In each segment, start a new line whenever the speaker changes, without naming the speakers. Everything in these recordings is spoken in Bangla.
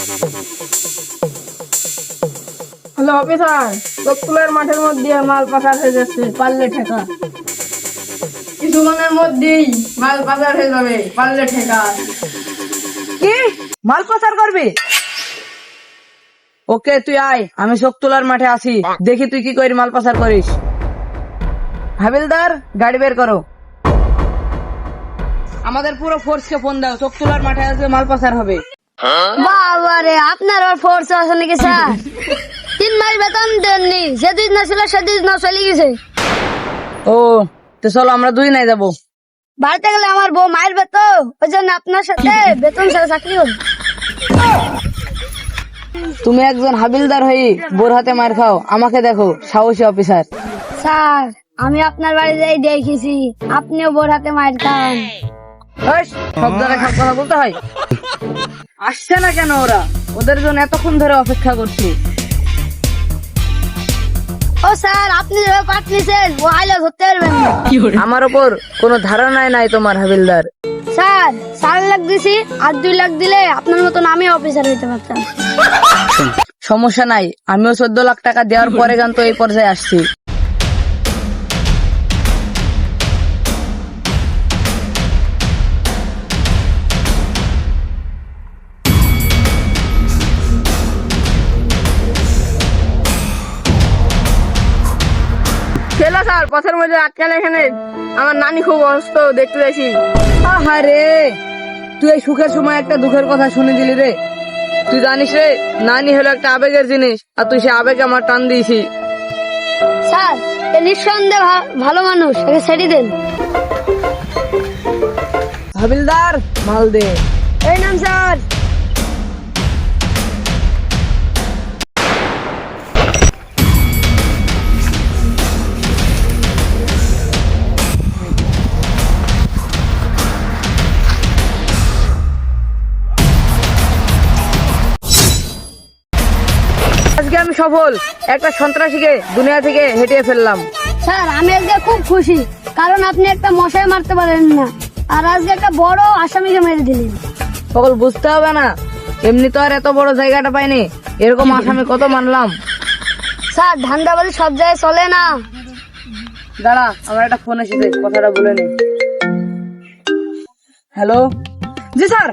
হ্যালো অফিসার, চোখতুলার মাঠের মধ্যে মাল পাচার হয়ে যাচ্ছে, পারলে ঠেকা। কিছুক্ষণের মধ্যেই মাল পাচার হয়ে যাবে, পারলে ঠেকা।
কি মাল পাচার করবি? ওকে তুই আয়, আমি চোখতুলার মাঠে আছি, দেখি তুই কি করে মাল পাচার করিস। হাবিলদার, গাড়ি বের করো। আমাদের পুরো ফোর্সকে ফোন দাও, চোখতুলার মাঠে আজকে মাল পাচার হবে।
বাবারে, আপনার ফোর্স আছে নাকি স্যার? 3 মাস বেতন দেননি, যেদিন না ছিল সেদিন না চলে গেছে।
ও, তো চলো আমরা দুই নাই যাবো।
বাড়িতে গেলে আমার বউ মারবে তো, ওই জন্য আপনার সাথে বেতন ছাড়া চাকরি করি।
তুমি একজন হাবিলদার হয়ে বোর হাতে মার খাও, আমাকে দেখো সাহসী অফিসার।
স্যার, আমি আপনার বাড়ি যাই দেখেছি, আপনিও বোর হাতে মার খান।
সব জায়গায় সব কথা বলতে হয়। আসছে না কেন ওরা? ওদের জন্য এতক্ষণ ধরে অপেক্ষা করছি।
ও স্যার, আপনি যেভাবে পাঠিয়েছেন ও আইলে ধরতে পারবেন না।
আমার ওপর কোনো ধারণাই নাই তোমার হাবিলদার।
স্যার, 4 লাখ দিছি, আর 2 লাখ দিলে আপনার মতন আমি অফিসার হইতে পারতাম।
সমস্যা নাই, আমিও 14 লাখ টাকা দেওয়ার পরে গান তো এই পর্যায়ে আসছি।
ছেলে স্যার, পথের মধ্যে আটকালে এখানে। আমার নানি খুব অসুস্থ, দেখতে যাইছি।
আহারে, তুই এই সুখের সময় একটা দুঃখের কথা শুনে দিলি রে। তুই জানিস রে, নানি হলো একটা আবেগের জিনিস, আর তুই সে আবেগে আমার টান দিয়েছি।
স্যার, এ নিঃসন্দেহে ভালো মানুষ, একে ছেড়ে দেন।
হাবিলদার, মাল দে।
এই নাম স্যার।
আজকে আমি সফল, একটা সন্ত্রাসীকে দুনিয়া থেকে হেঁটিয়ে ফেললাম।
স্যার, আমি আজকে খুব খুশি, কারণ আপনি একটা মশাই মারতে পারেন না, আর আজকে একটা বড় আসামিকে মেরে দিলেন।
সকল বুঝতে হবে না, এমনি তো আর এত বড় জায়গাটা পাইনি, এরকম আসামি কত মানলাম।
স্যার, ধান্দাবাজি সব জায়গায় চলে না।
দাঁড়া, আমার একটা ফোন এসেছে, কথাটা বলে নি। হ্যালো, জি স্যার।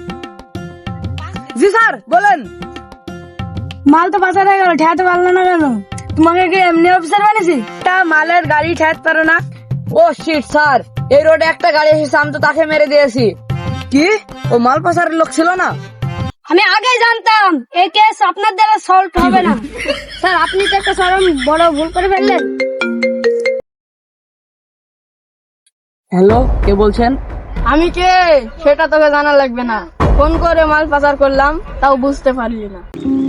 জি স্যার, বলেন।
মাল তো পাচার হয়ে গেল, ঠেকাতে পারলো না কেন? তোমাকে কি এমনি অফিসার বানিয়েছি?
একটা মালের গাড়ি ঠেকাতে পারো না? ও শিট স্যার, এই রোডে একটা গাড়ি এসেছে, আমি তো তাকে মেরে দিয়েছি। কি ও মাল পাচারের লোক ছিল না?
আমি আগেই জানতাম এই কেস আপনার দ্বারা সলভ হবে না। স্যার, আপনি তো একটা চরম বড় ভুল করে ফেললেন।
হ্যালো, কে বলছেন?
আমি কে সেটা তোকে জানা লাগবে না। ফোন করে মাল পাচার করলাম, তাও বুঝতে পারলি না।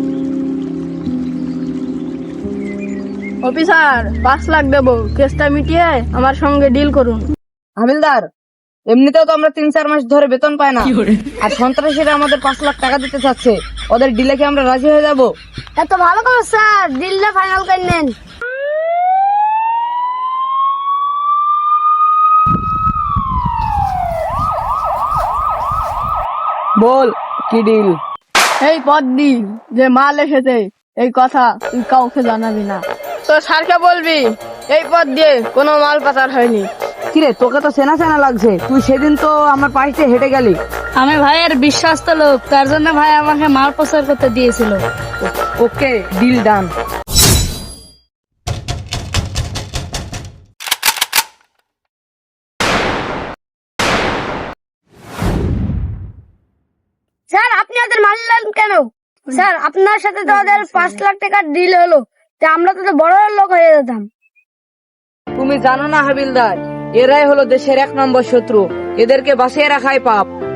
অফিসার, 5 লাখ দেবো, কেসটা মিটিয়ে আমার সঙ্গে ডিল করুন।
হাবিলদার, এমনিতেও তো আমরা 3-4 মাস ধরে বেতন পাই না, আর সন্ত্রাসীরা আমাদের 5 লাখ টাকা দিতে চাচ্ছে। ওদের ডিলে কি আমরা রাজি হয়ে যাব?
এত ভালো করে স্যার, ডিলটা ফাইনাল করে নেন।
বল, কি ডিল?
এই পদ দি যে মাল এসেছে, এই কথা তুই কাউকে জানাবি না। তো স্যারকে বলবি এই পদ দিয়ে কোনো মাল পাচার হয়নি।
কিরে, তোকে তো চেনা চেনা লাগছে, তুই সেদিন তো আমার পাশে হেঁটে গেলি।
আমি ভাইয়ের বিশ্বস্ত লোক, তার জন্য ভাই আমাকে মাল পাচার করতে দিয়েছিল।
ওকে, ডিল ডান।
স্যার, আপনি ওদের মারলেন কেন? স্যার, আপনার সাথে তো ওদের 5 লাখ টাকার ডিল হলো, তা আমরা তো বড় লোক হয়ে যেতাম।
তুমি জানো না হাবিলদার, এরাই হলো দেশের 1 নম্বর শত্রু, এদেরকে বাঁচিয়ে রাখাই পাপ।